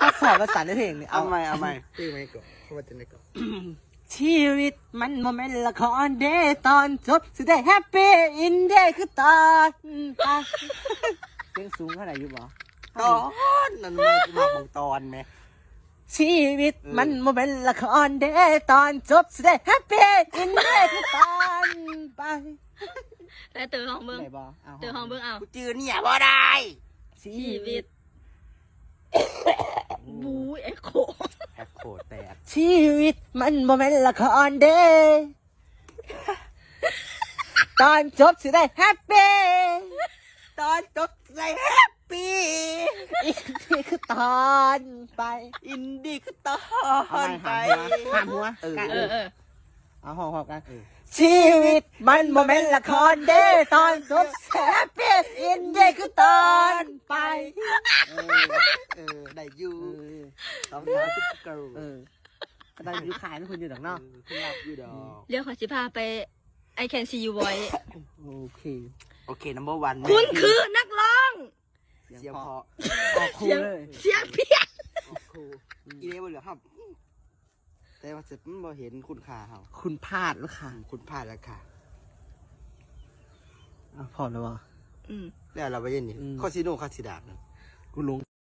ถ้าสอบภาษาในเพลงนี่เอาใหม่ตีไหมก่อนเพราะว่าจะได้ก่อนชีวิตมันโมเมนต์ละครเดย์ตอนจบสุดได้แฮปปี้อินเดย์คือตอนเสียงสูงเท่าไหร่อยู่บ่ตอนนั่นมาของตอนไหมชีวิตมันโมเมนต์ละครเดย์ตอนจบสุดได้แฮปปี้อินเดย์คือตอนไปแต่เตอห้องเบิ้งไหนบ่เอาเตอห้องเบิ้งเอากูจือเนี่ยบ่ได้ชีชีวิวิตตบูเอ็กโคแอคโคแตกชีวิตมันโมเมนต์ละครเดย์ตอนจบสุดได้แฮปปี้ตอนจบใจแฮปปี้อินเดย์คือตอนไปอินดี้คือตอนไปห้ามหัวเออเอาหอบกัน ชีวิตมันโมเมนต์ละครเดย์ตอนจบแฮปปี้อินเดย์คือตอนไปได้อยู่สาวซุปเปอร์ก็ได้อยู่ขายไม่คุณอยู่ดอกเนาะขึ้นรับอยู่ดอกเดี๋ยวขอสิพาไป I can see you boy โอเคโอเคนัมเบอร์วันคุณคือนักร้องเสียงพอออกคู่เลยเสียงเพี้ยนครูอีเล่บ่เหลือครับแต่ว่าเสร็จมันบ่เห็นคุณค่าเฮาคุณพลาดแล้วค่ะคุณพลาดแล้วค่ะพอแล้ววะอืมแล้วเราไปเย็นนี่ข้อซีโน่ข้อสีดาบกูลง